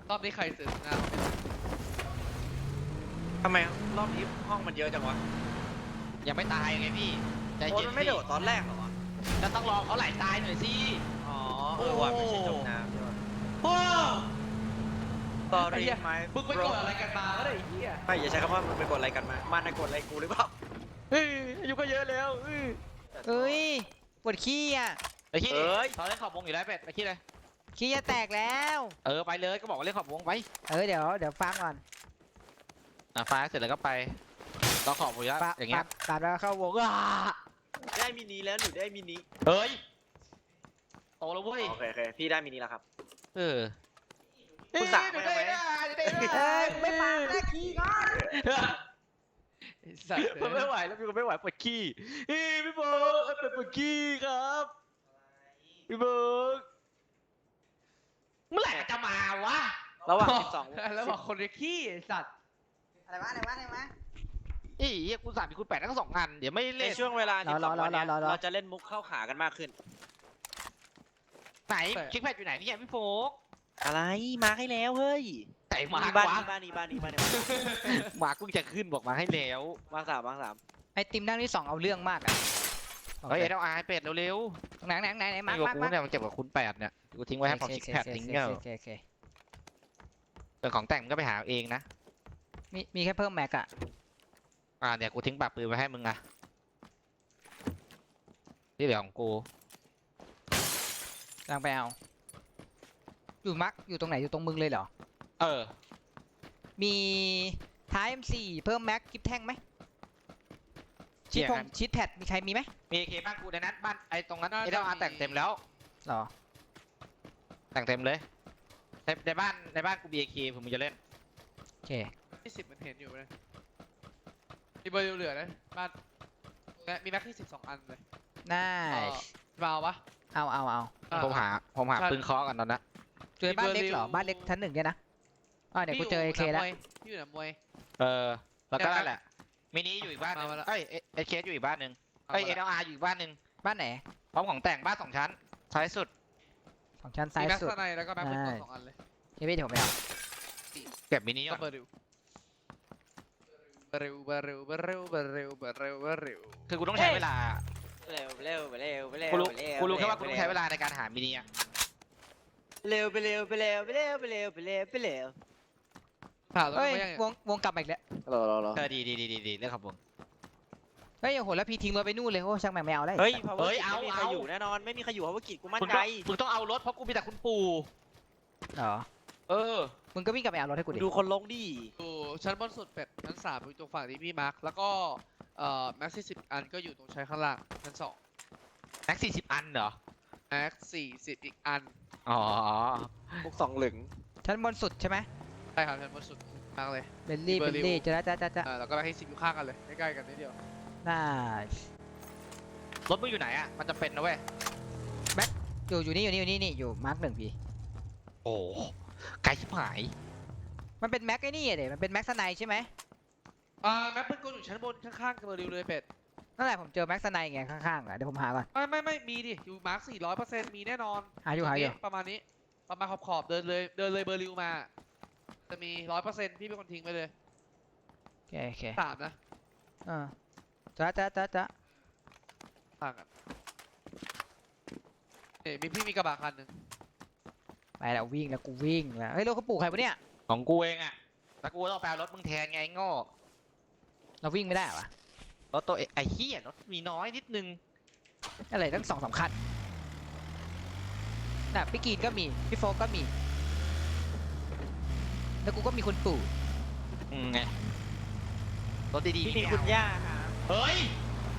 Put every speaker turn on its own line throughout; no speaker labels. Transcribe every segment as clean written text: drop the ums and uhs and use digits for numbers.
รอบนี้ใครซื้อหน้า
ทำไมรอบนี้ห้องมันเยอะจังวะ
ยังไม่ตายไงพี่ใจ
โอ้
เย็น
มันไม่โดดตอนแรกเหรอวะ
จะต้องรอเขาไหลตายหน่อยสิ
อ๋อว่ะไม่ใช่จมน้ำใช่ปะ
โอ้
ตอรี่ไหม
มึงไปกดอะไรกันมาวะเนี่ยไอ้เหี้ย
ไม่อย่าใช้คำว่ามึงไปกดอะไรกันมามันน่ะกดอะไรกูหรือเปล่า
เฮ้ยอายุก็เยอะแล้ว
เอ้ยปวดขี้อ่ะ
ไปขี้ดิตอนเล่นขอบวงอยู่แล้วเป็ดไปขี้เลย
ขี้จะแตกแล้ว
ไปเลยก็บอกว่าเล่นขอบวงไป
เดี๋ยวฟังก่อน
ฟ้าเสร็จแล้วก็ไปเราขอบวงอยู่แล้วอย่างเงี้ย
ตัดแล้วเข้าวง
ได้มินิแล้วหนูได้มินิ
เฮ้ยโตแล้วเว้ย
โอเคพี่ได้มินิแล้วครับ
เออ
คุณสั่งไปไหม
ไม่ฟังนะขี้ก่อน
ไอ้สัตว์
มันไม่ไหวแล้วพี่ก็ไม่ไหวปวดขี้พี่เบิร์กเป็นปวดขี้ครับพี่เบิร์กเมื่อไหร่จะมาวะ
ระหว่าง12
แล้วบอกคนเรียกขี้ไอ้สัตว์
อะไรวะ
อีกู3คูณ8ทั้ง2 อันเดี๋ยวไม่
ใน
เล่น
ช่วงเวลา12วันเนี้ยเราจะเล่นมุกเข้าขากันมากขึ้น
ไหนคิกแพดอยู่ไหนเนี่ยพี่โฟก
อะไรมาให้แล้วเฮ้ย
ไหนมา
บ้าน
วะ
นี้บ้านนี้บ้านนี้บ้านนี้
มาเพิ่งจะขึ้นบอกมาให้แล้ว
วางสาม
ไอติมนั่งที่2เอาเรื่องมากอ่ะ
เฮ้ยเอาเป็ดเร็ว
ไหน
ๆ
มา
อยู่กับกูเนี่ยมันเจ็บกับคูณ8เนี่ยกูทิ้งไว้ให้ของคิกแพดทิ้งเงี้ย
โอเค
แต่ของแต่งก็ไปหาเองนะ
มีแค่เพิ่มแม็กอะ
เนี่ยกูทิ้งปากปืนไว้ให้มึงอะที่เหลือของกู
กำลังไปเอาอยู่มักอยู่ตรงไหนอยู่ตรงมึงเลยเหรอ มีท้าย M4 เพิ่มแม็กกิฟแท่งไหมชีทแพดมีใครมีไหม
มีเคบ้านกูในนั้นบ้านไอ้ตรงนั้นแต่งเต็มแล้ว
หรอ
แต่งเต็มเลยในบ้านกู BK ผมมึงจะเล่น
โอเค
ที่10มันเห็นอยู่เลยมีเบอร์เหลือนะบ้านและมีแม็กที่12 อันเลย
น่า
มาเอาปะ
เอา
ผมหาปืนเคาะกันตอนนั้น
เจอบ้านเล็กเหรอบ้านเล็กชั้น 1เนี่ยนะเดี๋ยวกูเจอ AK แล้ว
พี่อยู่หนามวย
แล้วก็นั่นแหละมินิอยู่อีกบ้านนึง
มาแล้ว
เอเคอยู่อีกบ้านนึงLR อยู่อีกบ้านนึง
บ้านไหน
พร้อมของแต่งบ้าน2 ชั้นท้ายสุด
ของชั้น
มี
ซ้าย
แม็ก
สุด
ซ์ในแล้วก็แม็กเป็น2 อันเลย
เฮ้ยพี่เดี๋ยวผมไปเอา
เก็บมินิก่
ก็
อน
เบอร์ริว
คือกูต้องใช้เวลา
เร็วเร็วไปเร็วไปเร็ว
กูรู้แค่ว่ากูต้องใช้เวลาในการหามินิอะ
เร็วไปเร็วไปเร็วไปเร็วไปเร็วไปเร็วไปเร็ว
ถามตัว
เฮ้ย
ไม่ยัง
วงกลับมาอีกแล้ว
รอ
ดีเรื่องขับวง
เฮ้ยโอ้โหแล้วพี่ทิ้งรถไปนู่นเลยโอ้ช่างแม่งไม่เอาแล้ว
เฮ้ยไม่มีใครอยู่แน่นอนไม่มีใครอยู่เพราะว่ากิจกูมั่นใจ
มึงต้องเอารถเพราะกูมีแต่คุณปู่
เหรอ มึงก็วิ่งกลับไปเอารถให้กูดิ
ดูคนลงดิ
อยู่ชั้นบนสุดเป็ดชั้น3อยู่ตรงฝั่งที่พี่มาร์คแล้วก็แม็กซ์10 อันก็อยู่ตรงชั้นข้างล่างชั้น2
แม็ก40 อันเหรอ
แม็กซ์40อีกอัน
อ๋อ
พวก2 หลึง
ชั้นบนสุดใช่ไหม
ใช่ครับชั้นบนสุดมากเลย
เบลลี่
เบอร์ริว
จะ
แล้วก็แม็กซ์10อยู่ข้างกันเลยใกล้ๆกันนิดเดียว
น่าร
ถมึงอยู่ไหนอะมันจะเป็นนะเว้ย
อยู่นี่อยู่มาร์ค 1พี่
โอ้ไกลชิบหาย
มันเป็นแม็กไอ้นี่เดี๋ยมันเป็นแม็กสไนใช่ไหม
แม็กซ์เป็นกูอยู่ชั้นบนข้างๆกับเบอร์ริวเลยเป็ด
นั่นแหละผมเจอแม็กสไนไงข้างๆอ่ะเดี๋ยวผมหาก่อน
ไม่มีดิอยู่มาร์ค400%มีแน่นอน
หาอยู่
ประมาณนี้ประมาณขอบๆเดินเลยเบอร์ริวมาจะมี100%พี่เป็นคนทิ้งไปเลย
โอเค
3นะ
จ้า
ต่างกันมีพี่มีกระบะคันหนึ่ง
ไปแล้ววิ่งแล้วกูวิ่งแล้วเฮ้ยรถเขาปลูกใครปะเนี่ย
ของกูเองอะแต่กูต้องแปลรถมึงแทนไงโง่
เราวิ่งไม่ได้เหรอวะ
รถตัวไอ้เหี้ยรถมีน้อยนิดนึง
อะไรตั้ง2-3 คันน่ะพี่กีนก็มีพี่โฟกก็มีแล้วกูก็มีคุณปู่
ไงรถดีๆ
พี่มี
ไม่
คุณ
เอา
ย่าครับ
เฮ้ย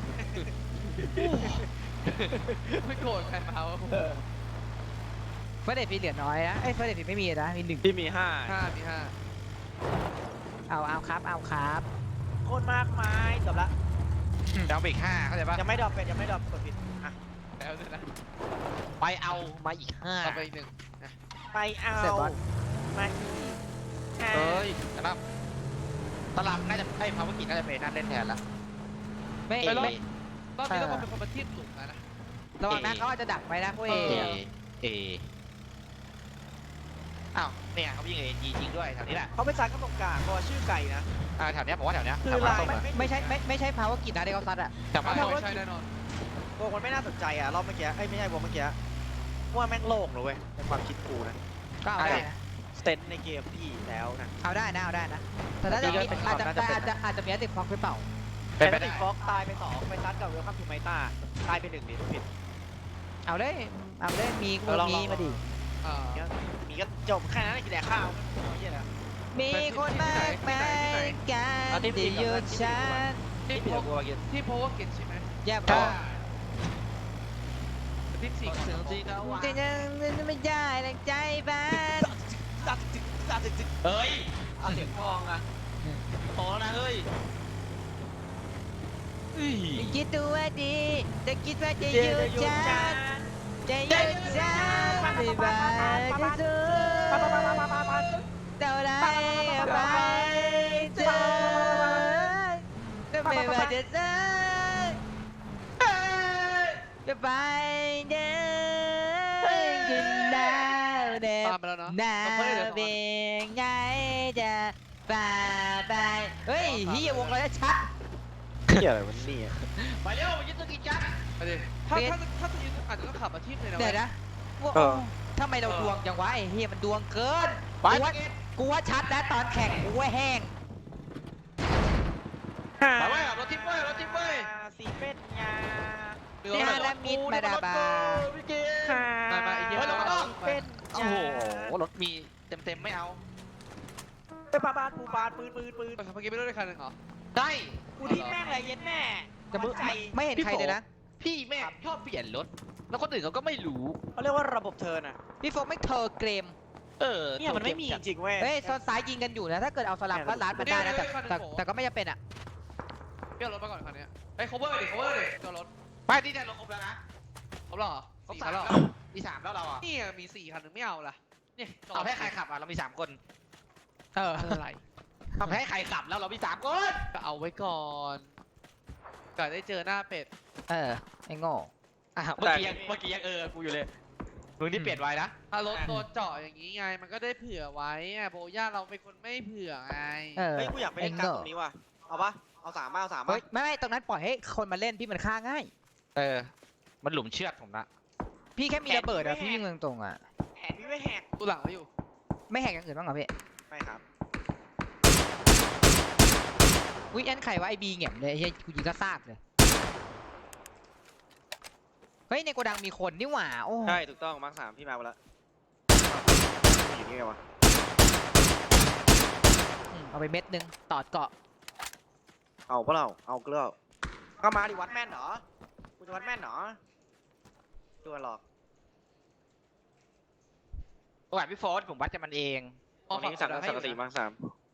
ไม่โกรธใครมาวะ
เฟอร์เดทพี่เหลือน้อยนะเอ้ยเฟอร์เดทพี่ไม่มีนะมี1
พี่มี5
5 มี
เอาครับ
โคตรมากมายจบละ
จะเอาไปอีก5เข้าใจปะ
ยังไม่ดรอปเป็ดยังไม่ดรอปกดผิดอ่ะ
5แล้วด้วยนะ
ไปเอามาอีก
ต่อไปอีก1
ไปเอามาอีก
5เฮ้ยนะครับตลับน่าจะภาวกิจน่าจะเป็นนั่นเล่นแทนละ
ไม่
เอ
ไม่
รอบนี้ต้องมาเป็นคนมาทีบหลุมนะ
ระวังนะเขาอาจจะดักไว้นะพวกเอ
เออ้าวเนี่ยเขายิงเอจีจริงด้วยแถวนี้แหละ
เขาไปซัดกันตรงกลางเพราะว่าชื่อไก่นะ
แถวเนี้ยผมว่าแถวเนี้ย
คือ
แถว
ลาย
ส้มอะ
ไม่ใช่พาวเวอร์กิจนะที่เขาซัดอะ
แถวบ้าน
ไม่
ส้ม
ใช่แน่นอน
วงมันไม่น่าสนใจอ่ะรอบเมื่อกี้เอ้ยไม่ใช่วงเมื่อกี้ว่าแม่งโล่งเลยเว้ยในความคิดกูนะ
ก็เอาได้นะ
สเตนในเกมพี่แล้วนะ
เอาได้นะแต่ถ้าจะมีอาจจะมีติดฟ็อกหรือเปล่า
เป็นไป
แต่
ได้
ติดฟ็อกตายไป2ไปซัดกับเวลคัมทูไมต้าตายไป1นี่ผิด
เอาเลยมีกูมีมาดิ
อ่า
มีก็จบแค่นั้นกินแต่ข้าวไม่เหี้ยนะ
มีคนมากมายกันที่อยู่ฉัน
ที่
ผิด
โพ
กับกูเมื่อกี้
ที่โพว่าเก็ตใช่ไหม
แย่พ
ใช่
อ
ทีมสี่ก่อน
แต่ยังไม่ได้แรงใจบ้าน
เฮ้ย
เอาเสียงทองอ่ะ
พอแล้วนะเฮ้ย
คิดตัวดีแต่คิดว่าจะอยู่ฉันจะอยู่ฉันไม่ว่าจะสู้เท่าไรก็ไปเธอก็ไม่ว่าจะเจอก็ไปเดินขึ้นดาวเด็
ตามไปแล้วเนาะ
นา
ต้องเพิ่มเลย
เป็นไงจะฝ่าไปเฮ้ยเฮียวงเราชัด
เหี้ยอะไรวะนี่
ไปเร็วยึดตัวกินกัน
ไปดิถ้าจะยืนอาจจะต้องขับมาที่เลยนะ
เดี๋ยว
เว้ย
นะทำไมเราดวงจังวะไอ้เฮียมันดวงเกิน
ไป
กูว่าชัดนะตอนแข่งกูว่าแห้ง
ไปเว้ยรถทิพย์เว้ยรถทิพย์เว้ย
สีเป็นยา
เรือ
เน
ไป
ฮา
เหร
รา
อ
มิดมาดาบา
พี่เกม
มาไอ้เหี้ย
เฮ้ย
เรา
เรา
เอา
ต้อง
ไป
เป็น
โอ้โหรถมีเต็มไม่เอา
เป็นปาปูปานปืน
เมื่อกี้ไปด้วยคันหนึ่งเหรอ
ได้
กูทิ้งแม่งเลยเย็นแม่
จะมึง
ใจ
ไม่เห็นใครเลยนะ
พี่แม่งชอบเปลี่ยนรถ แล้วคนอื่นเขาก็ไม่รู้
เขาเรียกว่าระบบเทิร์นอ่ะ
พี่โฟกไม่เทอเกม
เนี่ยมันไม่มีจริงๆเว้ย
เฮ้ยโซนซ้ายยิงกันอยู่นะถ้าเกิดเอาสลับก็ลัดมันได้นะแต่ก็ไม่จำเป็นอ่ะ
เปลี่ยนรถมาก่อนคันนี้ไอ้ cover ดิ cover ดิจอดรถ
ไปที่เนี่ยรถครบแล้วนะ
ครบแล้วเหรอ
ครบ
สี่
สา
คั
ม
น
แล้
แล้ว ว
มี3แล้วเราอ่ะ
นี่มี4คันหนึ่งไม่เอาล่ะเนี่ยจอด
เอาให้ใครขับอ่ะเรามี3คน
อะไร
เอาให้ใครขับแล้วเรามี3คน
ก็เอาไว้ก่อนก่อนได้เจอหน้าเป็ด
ไอ้โง่
เมื่อกี้ยังกูอยู่เลยมึงที่เปลี่ยนไว้นะ
ถ้ารถโดนเจาะอย่างนี้ไง มันก็ได้เผื่อไว้อะโบย่าเราเป็นคนไม่เผื่อไง
เออ
เฮ้ยกูอยากไปเล่นการตรงนี้ว่ะเอาปะเอา3มาเอา3มา
เฮ้ยไม่ตรงนั้นปล่อยให้คนมาเล่นพี่มันฆ่าง่าย
มันหลุมเชือดผมละ
พี่แค่มีระเบิดอะพี่วิ่งตรงๆอะ
แหกพี่ไม่แหก
กูหลังแล้วอยู่
ไม่แหกอย่างอื่นบ้างเหรอพี่
ไม่ครับ
วิอันไข่ว่าไอบีเงี่ยมเลยไอ้เหี้ยกูยิงก็ซากเลยเฮ้ยในโกดังมีคนนี่หว่าโอ้
ใช่ถูกต้องมาร์ค3พี่มาแล้วอยู่นี่ไงวะ
เอาไปเม็ดนึงตอดเกาะ
เอาปะเราเอาเกลือก็มาดิวัดแม่นเหรอกูจะวัดแม่นเหรอตัวหรอก
โอ้ยพี่โฟร์ผมวัดจะมันเอง
ตรงนี้สั่งสังกะสีมาร์ค3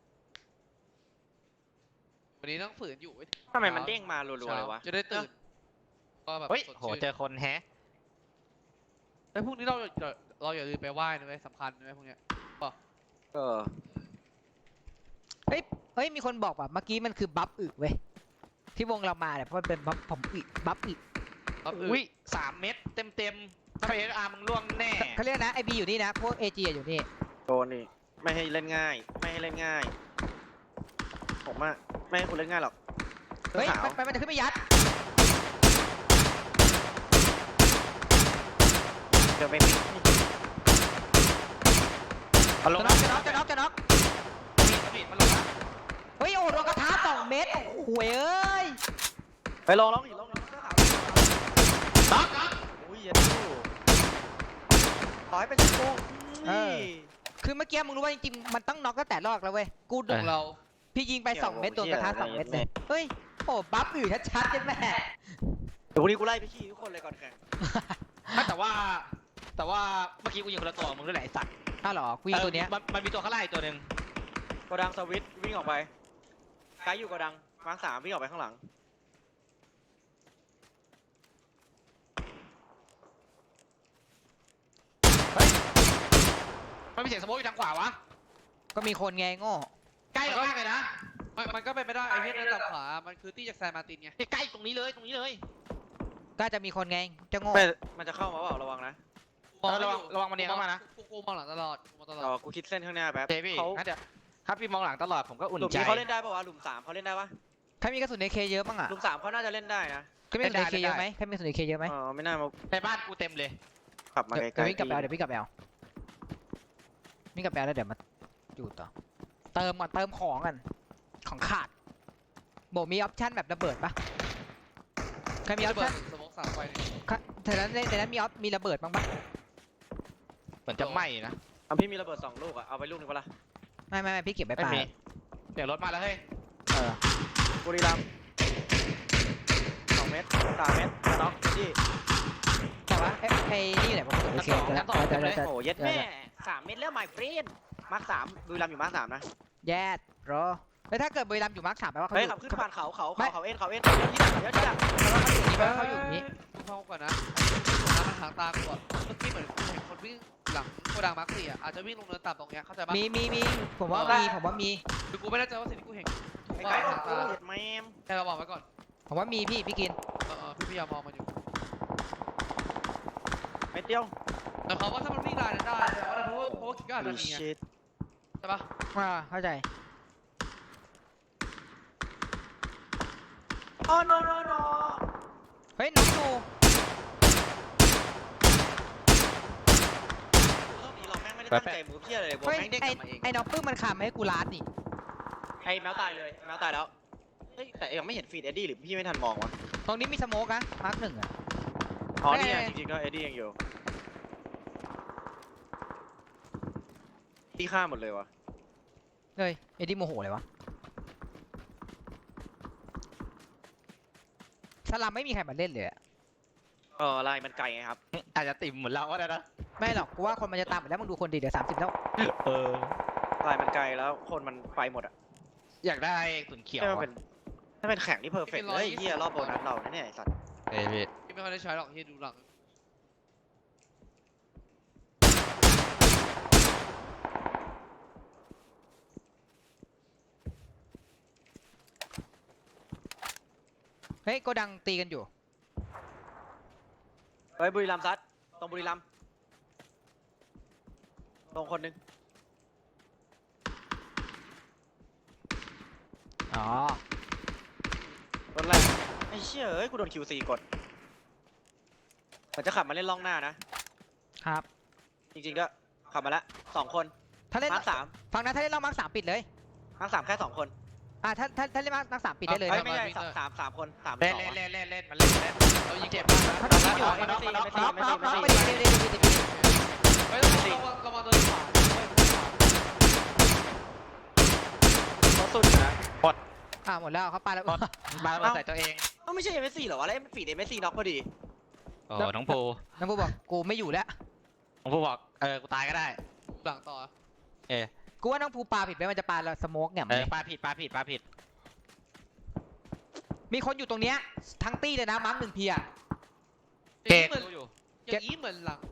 วันนี้ต้องฝืนอยู่เว้ย
ทำไมมันเด้งมารัวๆเลยวะ
จะได้ตื่นก็แบบ
เฮ้ย
สด
โห
ชื่น
เจอคนแฮะ
ไอ้พวกนี้เราอย่าลืมไปไหว้นะเว้ยสำคัญนะเว้ยพวกเนี้ย
เออ
เฮ้ยมีคนบอกว่าเมื่อกี้มันคือบัฟอึเว้ยที่วงเรามาเนี่ยเพราะมันเป็นบัฟผมอึบัฟอึ
อุ้ย3 เม็ดเต็มถ้าไปเอสอาร์มึงล่วงแน่
เขาเรียกนะไอบีอยู่นี่นะพวกเอจีอยู่นี่
โดนนี่ไม่ให้เล่นง่าย ไม่ให้เล่นง่าย ผมอะไม่ให้คุณเล่นง่ายหรอก
เฮ้ย
ขาว
มันจะขึ้นไปยัด
เดี๋ยวไม่ปิด
มันลง
จะน็อก
มีดมันลงนะ
เฮ้ยโอ้โดนกระทะ2 เม็ดโอ้โหเอ้ย
ไปลองดิลองดิเสื้อขาว
น็อก
อุ้ยเย็นดูต่อให้เป็นชิโก้
คือเมื่อกี้มึงรู้ว่าจริงๆมันต้องน็อกตั้งแต่รอบแล้วเว้ยกู
ดุเรา
พี่ยิงไป2 เม็ดโดนกระทะ2 เม็ดเลยเฮ้ยโอ้บัฟอึชัดๆใช่ไหม
เดี๋ยววันนี้กูไล่ไปขี้ทุกคนเลยก่อนแข่ง
แต่ว่าเมื่อกี้กูยิงคนละตัวมึงด้วยแหละไอ้สัตว์
อ้าวเหรอกูยิงตัวเนี้ย
มันมีตัวข้างล่างอีกตัวหนึ่ง
โกดังสวิตช์วิ่งออกไปไกด์อยู่โกดังมาร์ค3วิ่งออกไปข้างหลัง
มันมีเสียงสโมกอยู่ทางขวาวะ
ก็มีคนไงโง่
ใกล้เรามากเลยนะ
มันก็เป็นไม่ได้ไอ้เหี้ยเดินตับขวา มันคือตี้จากแซนมาร์ตินไง
ใกล้ตรงนี้เลย
ก็จะมีคนไงจะโง่
ไม่มันจะเข้ามาเปล่าระวังนะ
โมมองไม่
ระ
อ
วัง
ยู่
ระวังมันเนียนเข้ามานะ
กูมองหลังตลอดกูมองตลอด
กูคิดเส้นข้างหน้าแป๊บ
เจพี่
เขา
งั้นเดี๋ยวถ้าพี่มองหลังตลอดผมก็อุ่น
หลุม
ใจ
นี้เขาเล่นได้ปะวะหลุม3เขาเล่นได้ปะ
ใครมีกระสุนในเคเยอะบ้างอ่ะ
หลุม3เขาน่าจะเล่นได้นะ
ใครมีกระสุนในเคเยอะไหมใครมีกระสุนในเคเยอะไหม
ไม่น่ามา
ในบ้านกูเต็มเลย
ขับมา
เดี๋ยว
ไกล
วิ่งกลับไปเอาเดี๋ยววิ่งกลับไปเอาวิ่งกลับไปเอาแล้วเดี๋ยวมาอยู่ต่อเติมก่อนเติมของกันของขาดโบมีออปชั่นแบบระเบิดปะใครมีออป
เบิ
ชั่
ด
น
สมองสามไฟนี่
แต่นั้นมีระเบิดบ้างปะ
เหมือนจะไหม้นะ
พี่มีระเบิด2 ลูกอะเอาไปลูกนึงปะล่ะ
ไม่พี่เก็บไว้
ไม่
ปา
มีเดี๋ยวรถมาแล้วเฮ้ย
บุรีรัมย์2 เมตร 3 เมตรมาน็อกที่
แต่ว่าไอ้นี่แหละผมกระสุนในเคเยอะแล้ว
โอ้เย็ดแม่3 เมตรแล้วไมเฟรนมาร์ค3บุรีรัมย์อยู่มาร์ค3นะ
แย่รอแล้วถ้าเกิดบุรีรัมย์อยู่มาร์ค3แปลว่าเขา
เฮ้
อย ยู่
ขับขึ้นผ่านเขา
ไม่
เอ็นที่หลังที่หลัง
เขาอยู่นี่
กูเข้าก่อนนะหัวหน้ามันหางตากูอะเมื่อกี้เหมือนกูเห็นคนวิ่งหลังโกดังมาร์ค4อะอาจจะวิ่งลงเนินต่ำตรงเนี้ยเข้าใจปะ
มีผมว่ามี
คือกูไม่แน่ใจว่าสิ่งที่กูเห็นถูก
ไอ้
ว่า
ไก่
หาง
กู
ตา
เห็ดแมม
แต่เราบอกไว้ก่อน
ผมว่ามีพี่กิน
พี่พยายามมองมันอยู่
ไม่เตี้ยว
แต่เขาว่าถ้ามันวิ่งลายนั้นได้แต่ว่าเพราะว่าคิดก็อาจจะมีไง
ชิต
ใช่ปะ
เข้าใจ
อ๋อ no
เฮ้ยน้องดู
รอบนี้เราแม่งไม่ได้ตั้งใจมูฟเพี้ยอะไรเลยบอล
เฮ้ย
แม่งเด้งกลับมาเอง
ไอ้น้องปื้มมันขำให้กูลาดนี่
ไอ้แมวตายเลยแมวตายแล้วเฮ้ยแต่ยังไม่เห็นฟีดเอ็ดดี้หรือพี่ไม่ทันมองวะ
ตรงนี้มีสโมกนะมาร์ค 1อ่ะ
อ๋อนี่ไงจริงๆก็เอ็ดดี้ยังอยู่ที่ฆ่าหมดเลยวะ
เฮ้ยเอ็ดดี้โมโหเลยวะสลัมไม่มีใครมาเล่นเลยอะ
ลายมันไกลไงครับ
อาจจะติ่มเหมือนเราก็ได้นะ
ไม่หรอกกูว่าคนมันจะตามไปแล้วมึงดูคนดีเดี๋ยว30แล้ว
เออ
ลายมันไกลแล้วคนมันไปหมดอ่ะ
อยากได้ขุนเขียว
ถ้าเป็นแข่งที่เพอร์เฟกต์เลยเฮียรอบโบนัสเราเนี่ยไอ้สัตว์
เฮ้ยพี่
พี่ไม่ค่อยได้ใช้หรอกที่ดูหลัง
เฮ้ยโกดังตีกันอยู่
เฮ้ยบุรีรัมย์ซัดตรงบุรีรัมย์ตรงคนนึง
อ๋อ
รถแรกไอ้เชี่ยเอ้ยกูโดน QC กดมันจะขับมาเล่นล่องหน้านะครับ จริงๆก็ขับมาละ2 คน
ถ้าเล่น
มาร์ค3
ฟังนะถ้าเล่นรอบมาร์ค3ปิดเลย
มาร์ค3แค่2 คน
ถ้าเล่นมาร์ค3ปิดได้เลย
เฮ้ย
นะ
ไม่ใช่3 คน3
เล่น
2
เล่นเล่นเล่นมันเล่นเล่น
เรายิง
เจ็
เจ็
บบ
มากนะ
เขาต้องยิงอยู่
ไม่ตีไม่ตี
น็อก
ไม่
น็อก
ตี
ไปเดี๋ยว
เฮ้ยเรามาเดินขวา
เขาสุดนะ
หมดแล้วเขาปาแล้ว
มาใส่ตัวเอง
ไม่ใช่ MSC เหรอวะแล้วฟีด MSC น็อกพอดี
โอ้น้องภู
น้องพูบอกกูไม่อยู่แล้ว
น้องภูบอกกูตายก็ได้
หลังต่อ
กูว่าน้องภูปาผิดไปมันจะปาแล้วสโมกเนี่ย
ปลาผิด
มีคนอยู่ตรงเนี้ยทั้งตี้เลยนะมาร์ค1 พีอะ
อย่างนี้เหมือนหลัง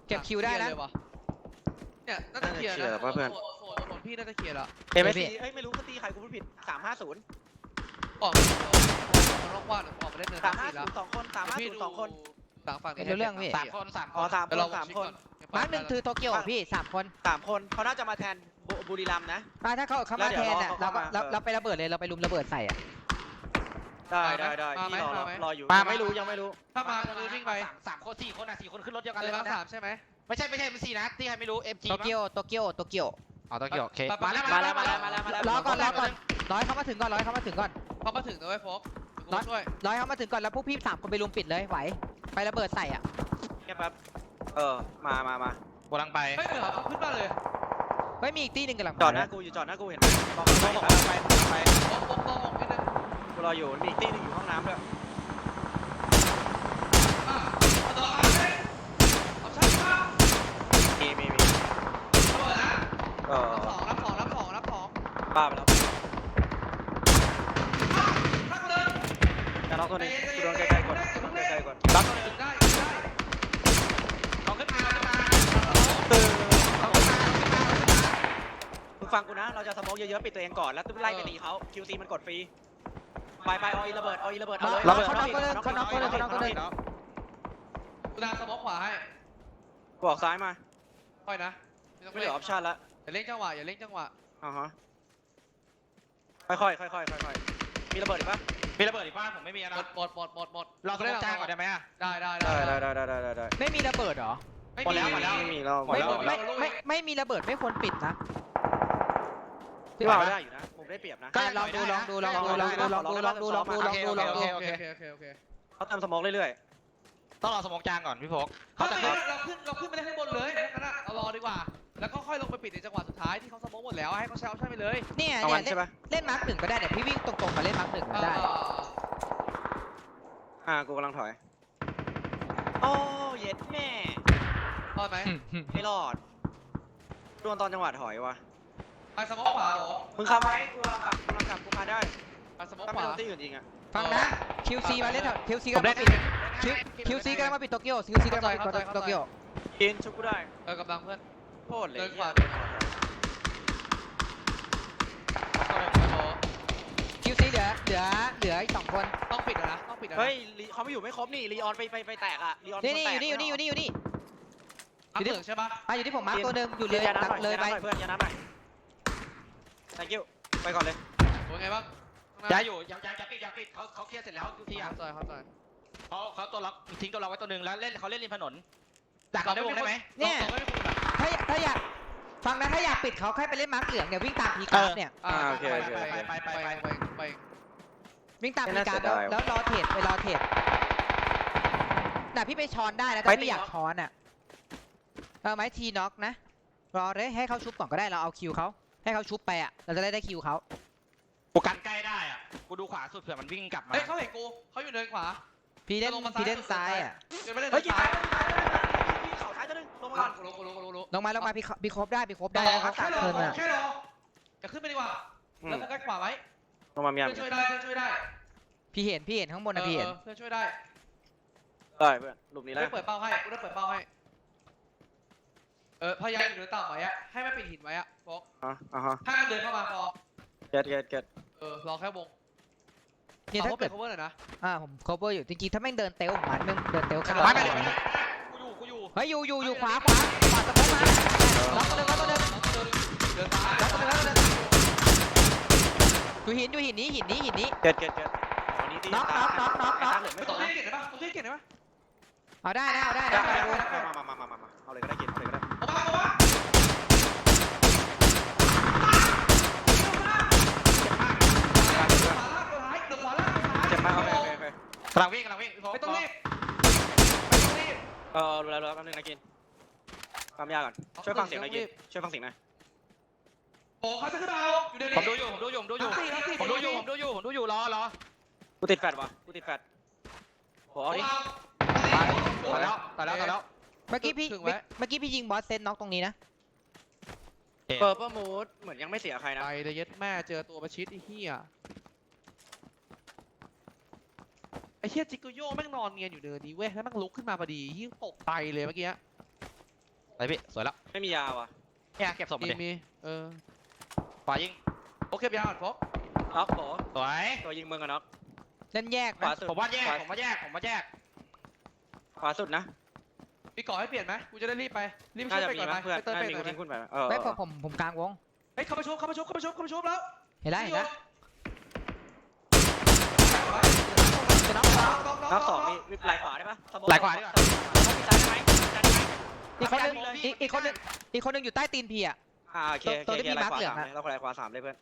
เนี่ยน่าจะเคลียร์นะโซนพี่น่าจะเคลียร์ละ
MSC เอ้ยไม่รู้เขาตีใครกูพูดผิด350
ออกมันร่องว่างออกมาเล่นเนินสี่แล้ว
350 2 คน350 2 คน
หลังฝั่งนี้
สามคน
อ๋อ3 คน 3 คน
มาร์ค1คือโตเกียวพี่3 คน
3 คนเขาน่าจะมาแทนบุรีรัมย์นะ
ถ้าเขามาแทนอ่ะเราไประเบิดเลยเราไปลุมระเบิดใส่อ่ะ
ได้พี่รออยู่ไม่รู้ยังไม่รู้
ถ้ามาจะวิ่งไป
สามคน4 คน4 คนขึ้นรถเดียวกัน
เล
เลย ย
มา
นะ
3ใช่ไหม
ไม่ใช่ MC นะที่ใครไม่รู้ MG
โตเกียว
อ๋อโตเกียวโอเค
มาแล้ว
รอก่อนร้อยเขามาถึงก่อน
พอมาถึงนะเว้ยโฟกกูช่วย
ร้อยเขามาถึงก่อนแล้วพวกพี่3 คนไปลุมปิดเลยไหวไประเบิดใส่อ่ะ
แค่แป๊บมา
กำลังไป
เฮ้ยเดี๋ยวขึ้นมาเลย
เฮ้ยมีอีกตี้หนึ่งกำลัง
จอดหน้ากูอยู่จอดหน้ากูเห็นบอก
ไป
ต้องนิดนึง
กูรออยู่มีอีกที่นึงอยู่ห้องน้ำด้วย
เอาใช่ป่ะ
มี
เปิดนะรับของ
บ้าไปแล้ว
พักเลย
จะล็อกตัวนี้กูโดนใกล้ๆก่อนล็อกตัวนี้
ได้
เขาขึ้นมา
มึงฟังกูนะเราจะสโมกเยอะๆปิดตัวเองก่อนแล้วไล่ไปตีเขา QC มันกดฟรีไปเอาอีระเบิดเอาเลย
เขาน็อกก็เลย
กูนาสมองขวาให้
โกูออกซ้ายมา
ค่อยนะไม่ต้อง
ไม่เหลือออปชั่นละ
อย่าเล่นจังหวะอย่าเล่นจังหวะ
อ่าฮะค่อยๆค่อยๆค่อยๆมีระเบิดอีกปะ
มีระเบิดอีกบ้านผมไม่มี
หม
นะ
ดหมด
เราสมองจ้างก่อนได้ไหมอะ
ได้
ได้ได้
ไม่มีระเบิดเหรอ
หมดแล้ว
ไม่มีเรา
ไม่
หมดแล้ว
ไม่มีระเบิดไม่ควรปิดนะ
พี่ว่าได้อยู่นะผมได้เปรียบนะ
ก็
ลองดูลองดูลองดูลองดูลองดูลองดูลองดูลองดูลองดู
โอเค
เขาเติมสมองเรื่อย
ต้องรอสมองจ้างก่อนพี่พก
เขา
เขา
จะ
จะ
เราขึ้นไปเล่นข้างบนเลยงั้นเรารอดีกว่า แล้วก็ค่อยลงไปปิดในจังหวะสุดท้ายที่เขาสมองหมดแล้วให้เขาใช้ออปชั่นไปเลย
เนี่ย
ๆเอา
เนี่
วัน
ย
ใช่ปะ
เล่นมาร์คหนึ่งก็ได้เดี๋ยวพี่วิ่งตรงๆมาเล่นมาร์คหนึ่งก็ได้
กูกำลังถอยโอ้เย็ดแม่
รอดไหม
ไม่รอดโดนตอนจังหวะถอยว่ะ
ไปสมองขวาเหรอ
มึงขับไหมกูกำลังขับกูมาได้
ไปสมอง
ถ้า
ข
ไม่
วา
โดนที่อื่นจริงอะ
ฟังนะ QC มาเล่นQC กำลังมาปิด QC กำลังมาปิดโตเกียว QC กำลังมาปิดโตเกียว
กินชุบกูได้
กำลังเพื่อน
โคตรเลย
เดินขวา
QC เหลืออีก2 คน
ต้องปิดนะต้องปิดนะ
เฮ้ยเขาไม่อยู่ไม่ครบนี่ลีออนไปแตกอะลีออน
นี่อยู่นี่
อัพเหลืองใช่ปะ
อยู่ที่ผมมาร์คตัวหนึ่งอยู่เลย
ยา
หลั
น้ำห
ง
น่อย
เลยไป
เพื่อนยาน้ำหน่อย thank you ไปก่อนเลย
เป็นไงบ้าง
ย้ายอยู่ยังปิดเขาเคลียร์เสร็จแล้วทุกทีอ่ะ
เข้าใจ
เขาตัวล็อกทิ้งตัวเราไว้ตัวหนึ่งแล้วเขาเล่นริมถนนดักเราได้วงได้ไหม
เนี่ยถ้าอยากฟังนะถ้าอยากปิดเขาแค่ไปเล่นมาร์คเหลืองเนี่ยวิ่งตามพีการ์ดเนี่ย
ไป
วิ่งตามพีการ์ดแล้วรอเทรดไปรอเทรดน่ะพี่ไปช้อนได้นะถ้าพี่อยากช้อนอ่ะไม้ทีน็อกนะรอเลยให้เขาชุบก่อนก็ได้เราเอาคิวเขาให้เขาชุบไปอ่ะเราจะได้คิวเขา
กูกันใกล้ได้อ่ะกูดูขวาสุดเผื่อมันวิ่งกลับมา
เฮ้ยเขาเห็นกูเขาอยู่เดินขวา
พี่เล่นซ้ายอ่ะ
เดินไม่เล่น
เฮ้ยกิน
ซ้าย
เข่าซ้ายตัวนึงลงมาก่อน
กูรู้
ลงมาพี่ครบได้นะครับ
แค่รอ
เทิร์นอ่ะ
แค่รอจะขึ้นไปดีกว่าแล้วโฟกัสขวาไว้
ลงมาเมีย
เพื่อนช่วยได้
พี่เห็นข้างบนนะพี่เห็น
เพื่อนช่วยได้
ได้เพื่อนหลุมนี้
กู
แล้ว
ได้เปิดเป้าให้พยายามอยู่เดินต่ำไว้อะให้มันปิดหินไว้อะบอก
อ่าฮะ
ถ้ามันเดินเข้ามาพอ
เก็ต
รอแค่วง
เนี่ยถ้า
เปิ
เกิ
ด
ด
cover หน่อยนะ
ผม cover อยู่จริงๆถ้าแม่งเดินเตลผมมันมึงเดินเตลข้าง
ไม่เลยกูอยู่
เฮ้ยอยู่ขวาสะโพกมาล็อกตัวนึง
เดินซ้าย
อยู่หินนี้
เก็ตน็อก
ไม่ต้องเล่นเก่งได้ปะต้องเล่นเก่งได้ปะ
เอาได้
มาเอาเลยก็ได้กินเลยก็ได้
เอามาขวาล่าง
เจ็บมากโอเค
กำลังวิ่งพี่พก
ไม่ต้องรีบ
รู้แล้วแป๊บนึงนะกินความยากก่อนช่วยฟังเสียงหน่อยกินช่วยฟังเสียงหน่อย
โอ้เขาจะขึ้นมาเอาอยู่เดี๋ยวนี้
ผมดูอยู่รอ
กูติดแฟดวะกูติดแฟดโหเอาดิ
ต่อแล้ว
เมื่อกี้พี่ยิงบอสเซนน็อกตรงนี้นะ
เปอร์เปิลมูดเหมือนยังไม่เสียใครนะ
ไปเลยยัดแม่เจอตัวประชิดไอ้เหี้ยไอ้เหี้ยจิกโกโย่แม่งนอนเงียนอยู่เดินนี้เว้ยแล้วแม่งลุกขึ้นมาพอดียิ่งตกใจเลยเมื่อกี้
ไปพี่สวยแล้ว
ไม่มียาว่ะ
เนี่ยเก็บศพมาดิ
มีเออ
ขวายิง
โอเคไปเอาก่อนฟอก
น็อกโห
สวย
ตัวยิงมึงอะน็อก
เล่นแยก
ขวา
นะ
สุด
ผมว่าแยก
ขวาสุดนะ
มีก่อให้เปลี่ยนไหมกูจะได้รีบไปรีบ
น่า
ช่วย
จะ
ไป
มี
ก่อน
มั้
ไหม
ยเพื่อน
ไปเติม
น่า
ไป
จะมี
หน่
กู
อยไหม
ทิ้งคุณไป
ไม่ผมกลางวง
เฮ้ยเข้ามาชุบแล้ว
เห็นแล้ว
จะน็อก
น็อกสองมีไหลขวาได้ปะ
ไหลขวาดีกว่า
ต้องมีซ้ายได้ไหม
อีกคนนึงอยู่ใต้ตีนพี่อ่ะ
โอเคไหลขวา3เลยเราไหลขวา3เลยเพื่อน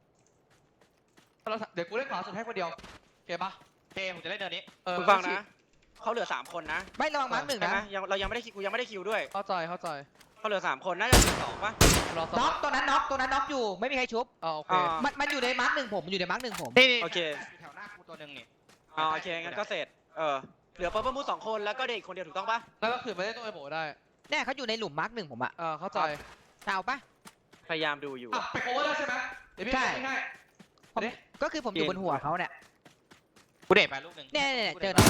เดี๋ยวกูเล่นขวาสุดให้คนเดียวโอเคปะ
ผมจะเล่นเดินนี้
คุณฟังนะเขาเหลือ3คนนะ
ไม่ระวังมาร์คหนึ่ง
ใช่ไหม
นะ
เรายังไม่ได้กูยังไม่ได้คิวด้วย
เข้าใจ
เขาเหลือ3คนน่าจะ12ป่ะ
รอส
น็
อ
อง กตัวนั้นน็อกอยู่ไม่มีใครชุบ
โอเค
มันอยู่ในมาร์คหนึ่งผมอยู่ในมาร์คหนึ่งผม
นี่
โอเค
แถวหน้ากูตัวหนึ่งนี่
โอเคงั้นก็เสร็จเหลือเปอร์เปิลมูด2คนแล้วก็เด็กคนเดียวถูกต้องป่ะ
แล้วก็ขืนไม่ได้ตัวไอ้โบได้
เนี่ยเขาอยู่ในหลุมมาร์คหนึ่งผมอ่ะ
เข้าใจ
เอาปะ
พยายามดูอยู่
ไปโคเวอร์ได้ใช่ไหมเดี๋ยวพี่ให้
ก็คือผมอยู่บนหัวเขาเนี่ย
กูเด็ดไปลูกหนึ่ง
เนี่ยเจอน็อก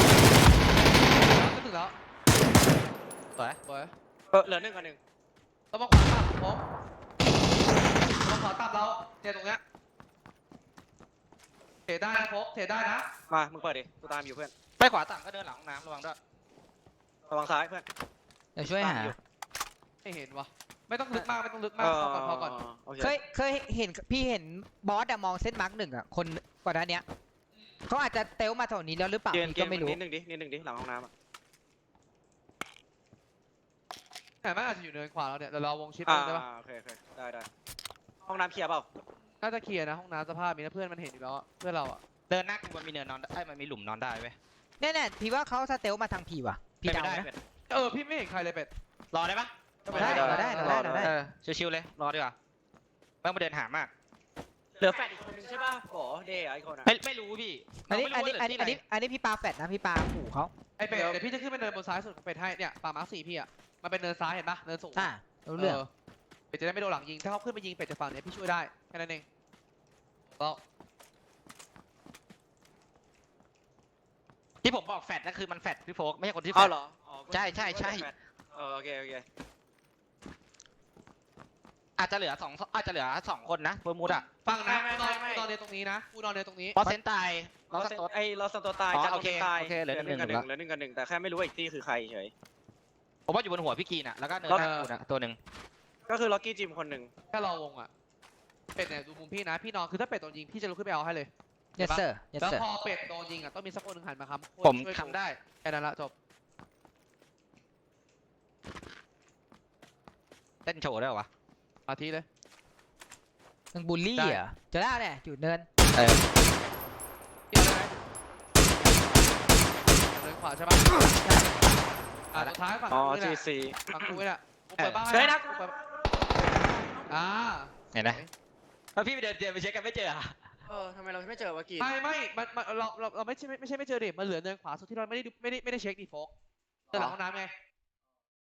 ก็ถึงแล้ว
สวย
สวย
เหลือ1กับ1
ต้องมาขวาต่ำผมต้องขวาต่ำเราเทตรงเนี้ยเทได้นะโฟกเทได้นะ
มามึงเปิดดิกูตามอยู่เพื่อน
ไปขวาต่ำก็เดินหลังห้องน้ำระวังด้วย
ระวังซ้ายเพื่อน
เดี๋ยวช่วยหา
ไม่เห็นวะไม่ต้องลึกมากไม่ต้องลึกมากพอก่อน
โอเค
เคยเห็นพี่เห็นบอสอะมองเส้นมาร์กหนึ่งอะคนก่อนหน้าเนี้ยเขาอาจจะเตลมาแถวนี้แล้วหรือเปล่า
เกม
พี่ก็ไม่รู้
นิดนึงดิหลังห้องน้ำอะ
แต่มันอาจจะอยู่เนินขวาเราเนี่ยเดี๋ยวเราวงชิป
อ่า
ได้ปะ
โอเคได้ห้องน้ำเคลียร์เปล่า
น่าจะเคลียร์นะห้องน้ำสภาพมีนะเพื่อนมันเห็นอยู่แล้วอะเพื่อนเราอะ
เดินหน้ากูมันมีเนินนอนมันมีหลุมนอนได้เว้ย
แน่ๆพี่ว่าเขาสเตลมาทางพี่ว่ะพี่
ไม่
เดา
ได้
นะ
เป็ด
พี่ไม่เห็นใครเลยเป็ด
รอได้ปะ
ได้เราได้
ชิวๆเลยรอดีกว่าไม่ต้องไปเดินหามาก
เหลือแฟดอีกคนนึงใช่ป่ะโหเดย์ไอคนอะ
ไม่รู้พี่
อันนี้
เราไม่รู้ว่าเหลืที่ไห
อันนี้พี่ปาแฟดนะพี่ปาขู่เขา
ไอเป็ดเดี๋ยวพี่จะขึ้นไปเนินบนซ้ายสุดของเป็ดให้เนี่ยป่ามาร์ค4พี่อะมันเป็นเนินซ้ายเห็นปะเนินสูง
รู้เรื่อง
เป็ดจะได้ไม่โดนหลังยิงถ้าเขาขึ้นไปยิงเป็ดจากฝั่งเนี้ยพี่ช่วยได้แค่นั้นเองแล้ว
ที่ผมบอกแฟดนั่นคือมันแฟดพี่โฟกไม่ใช่คนที่แฟ
เอา
ด
เหรออ๋อ
ใช่ใช่ใช่
โอเค
อาจจะเหลือสองคนนะเฟิร์มมูดอะ
ฟังนะกูนอนเรียนตรงนี้นะกูนอนเรียนตรงนี้
เพราะเซนตายเรา
เรา
สต๊อต
เราสตัวตาย
อ๋อ
จัน
โอเค
ตาย
โอเคเหลือหนึ่ง
เหลือหนึ่งกันหนึ่งแต่แค่ไม่รู้ว่าอีกที่คือใครเฉย
ผมว่าอยู่บนหัวพี่กีนอะแล้วก็เนินหน้ากูนะตัวหนึ่ง
ก็คือล็อกกี้จิมคนหนึ่ง
แค่รอวงอะเป็ดเนี่ยดูมุมพี่นะพี่นอนคือถ้าเป็ดโดนยิงพี่จะลุกขึ้นไปเอาให้เลย
yes sir yes
แล้ว
sir
พอเป็ดโดนยิงอะต้องมีสักคนหนึ่งหันมาครับ
ผม
ช่วย
ทำได้
แค่นั้นละจบ
เต้นโชว์ได้เหรอวะ
มาทีเลย
มึงบูลลี่อ่ะจะได้เนี่ยอยู่เนิน
เกี่ยวได้ไหมเดินขวาใช่ปะสุดท้ายฝั่ง
อ๋อ
กูนี่แห
จี
ละ
ซี
ฝั่งกูนี่แหละกูเปิดบ้าน
เฮ้ยนะ
กูเปิด
เห็นไหมแล้วพี่ไปเดินไปเช็คกันไม่เจออะ
ทำไมเราไม่เจอวะกี้
ไม่เราไม่ใช่ไม่เจอเด็กมันเหลือเนินขวาสุดที่เราไม่ได้เช็คดิโฟกเดินหลังห้องน้ำไง